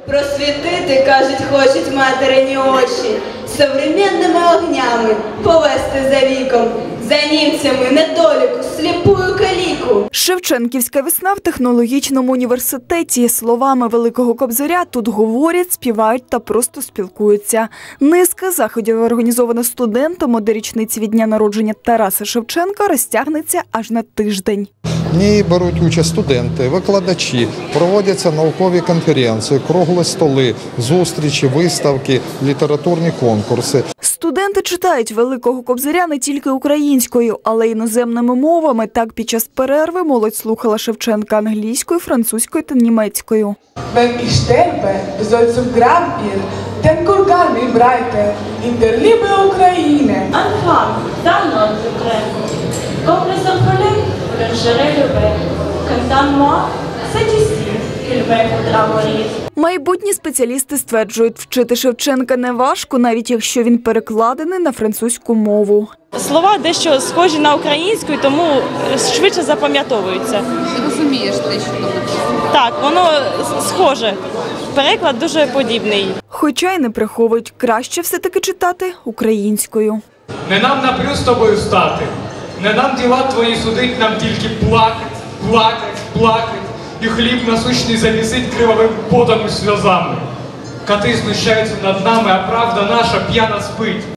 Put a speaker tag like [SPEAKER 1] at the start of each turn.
[SPEAKER 1] Просвітити, кажуть, хочуть материні очі, современними огнями повести за віком, за німцями недоліку, сліпую каліку.
[SPEAKER 2] Шевченківська весна в технологічному університеті. Словами Великого Кобзаря тут говорять, співають та просто спілкуються. Низка заходів, організована студентами до річниці від дня народження Тараса Шевченка, розтягнеться аж на тиждень.
[SPEAKER 3] В ній беруть участь студенти, викладачі, проводяться наукові конференції, круглі столи, зустрічі, виставки, літературні конкурси.
[SPEAKER 2] Студенти читають Великого Кобзаря не тільки українською, але й іноземними мовами. Так, під час перерви молодь слухала Шевченка англійською, французькою та німецькою.
[SPEAKER 4] Wenn ich sterbe, soll zum Grab ihr den Kurgan mir breite, in der Liebe Ukraine.
[SPEAKER 5] Anfang, dann und Ukraine. Comme les orphelins, je le Cantant-moi, c'est ici qu'il me faudra mourir.
[SPEAKER 2] Майбутні спеціалісти стверджують, вчити Шевченка не важко, навіть якщо він перекладений на французьку мову.
[SPEAKER 6] Слова дещо схожі на українську, тому швидше запам'ятовуються.
[SPEAKER 7] Розумієш те, що написано?
[SPEAKER 6] Так, воно схоже. Переклад дуже подібний.
[SPEAKER 2] Хоча й не приховують, краще все-таки читати українською.
[SPEAKER 8] Не нам напрю з тобою стати, не нам діла твої судить, нам тільки плакать, плакать, плакать, і хліб насущний замісить кривавим потом і сльозами. Кати знущаються над нами, а правда наша п'яна спить.